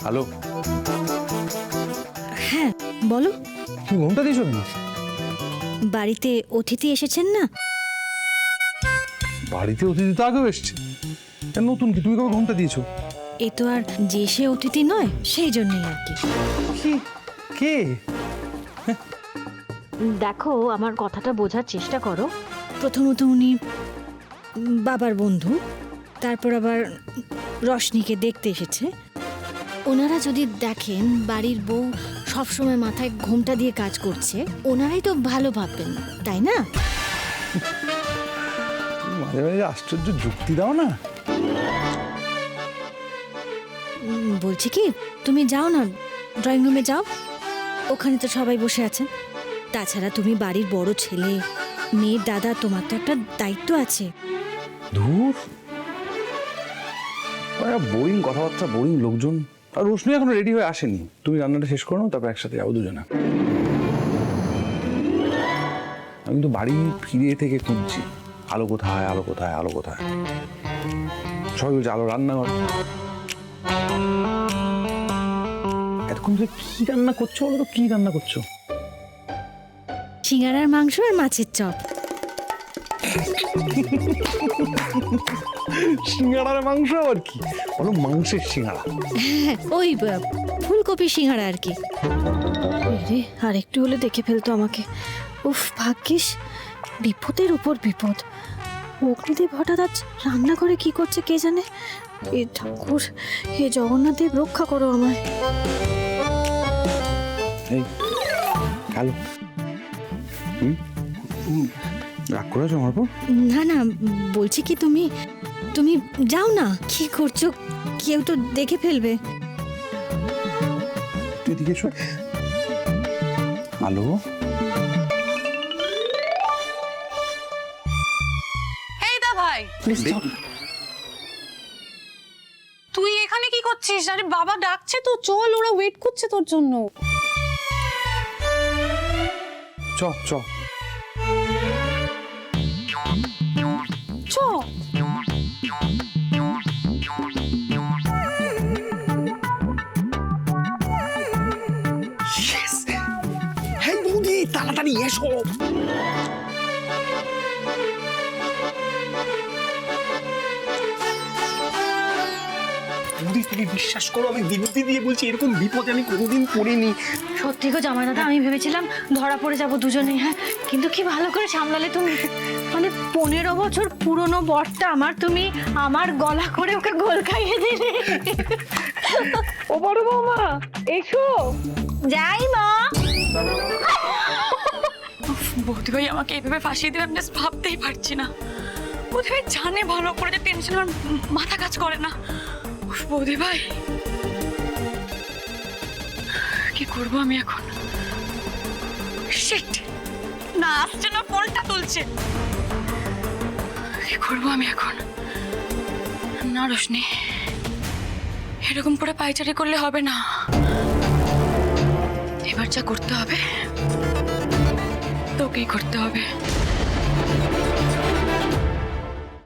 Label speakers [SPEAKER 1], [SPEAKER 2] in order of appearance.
[SPEAKER 1] Hello,
[SPEAKER 2] হ্যাঁ বলো।
[SPEAKER 1] তুমি ঘুমটা দিয়েছো নাকি?
[SPEAKER 2] বাড়িতে অতিথি এসেছেন না?
[SPEAKER 1] বাড়িতে অতিথি তো আগেও এসছে, নতুন কি? তুমি কবে ঘুমটা দিয়েছো?
[SPEAKER 2] এ তো আর যে সে অতিথি নয়, সেই জন্যই আর কি।
[SPEAKER 1] কি? কে?
[SPEAKER 2] দেখো, আমার কথাটা বোঝার চেষ্টা করো। প্রথমত উনি বাবার বন্ধু, তারপর আবার রশনিকে দেখতে এসেছে। ওনারা যদি দেখেন বাড়ির বউ সবসময় মাথায় ঘোমটা দিয়ে কাজ করছে, ওনারাই তো ভালো ভাববেন, তাই না?
[SPEAKER 1] মাঝে মাঝে আশ্চর্য যুক্তি দাও না।
[SPEAKER 2] বলছি কি, তুমি যাও না, ড্রয়িং রুমে যাও, ওখানে তো সবাই বসে আছেন। তাছাড়া তুমি বাড়ির বড় ছেলে, মেয়ের দাদা, তোমার তো একটা দায়িত্ব আছে।
[SPEAKER 1] ধুর, বোরিং কথাবার্তা, বোরিং লোকজন। আর রোশনি এখনো রেডি হয়ে আসেনি। তুমি রান্নাটা শেষ করো, তারপর একসাথে যাবো দুজনে। আমি কিন্তু বাড়ি ফিরে থেকে খুঁজছি আলো কোথায়, আলো কোথায়, আলো কোথায়। সবাই বলছে আলো রান্নাঘর। এতক্ষণ ধরে কি রান্না করছো বলো তো? কি রান্না করছো?
[SPEAKER 2] সিঙ্গারার মাংস আর মাছের চপ।
[SPEAKER 1] সিঙ্গাড়ার মাংস আর কি বলো? মাংসের সিঙ্গাড়া?
[SPEAKER 2] ওই ফুলকপি সিঙ্গারা আর কি। রে, আর একটু হলে দেখে ফেলতো আমাকে। উফ, ভাগ্যিস। বিপদের উপর বিপদ। অগ্নিদেব হঠাৎ আজ রান্না করে কি করছে কে জানে। এ ঠাকুর, হে জগন্নাথ দেব, রক্ষা করো আমায়।
[SPEAKER 1] এই হ্যালো, রাগ করেছো আমার উপর?
[SPEAKER 2] না না, বলছি কি, তুমি তুমি যাও না। কি করছো? কেউ তো দেখে ফেলবে।
[SPEAKER 1] তুই এদিকে এসো। হ্যালো,
[SPEAKER 3] এই দা ভাই, তুই এখানে কি করছিস? আরে বাবা ডাকছে তো, চল, ওরা ওয়েট করছে তোর জন্য।
[SPEAKER 1] চ চ।
[SPEAKER 3] চ।
[SPEAKER 4] হ্যাঁ বৌদি, তাড়াতাড়ি এসো। বৌদি, তুমি বিশ্বাস করো, আমি দিদি দিয়ে বলছি, এরকম বিপদে আমি কোনোদিন পড়িনি।
[SPEAKER 2] সত্যি গো জামাই দাদা, আমি ভেবেছিলাম ধরা পড়ে যাব দুজনেই। হ্যাঁ, কিন্তু কি ভালো করে সামলালে তুমি। মানে 15 বছর পুরনো বরটা আমার, তুমি আমার গলা করে ওকে গোল খাইয়ে দিলে।
[SPEAKER 3] ও বড় বৌমা, এসো।
[SPEAKER 2] যাই মা।
[SPEAKER 3] বৌদি ভাই আমাকে এইভাবে ফাঁসিয়ে দেবে, আমি জাস্ট ভাবতেই পারছি না। বৌদি ভাই জানে ভালো করে যে টেনশন আমার মাথা কাজ করে না। উফ, বৌদি ভাই, কি করবো আমি এখন? শিট, না আসছে না, ফোনটা তুলছে। কি করবো আমি এখন? না রোশনি, এরকম করে পায়চারি করলে হবে না। এবার যা করতে হবে তোকেই করতে হবে।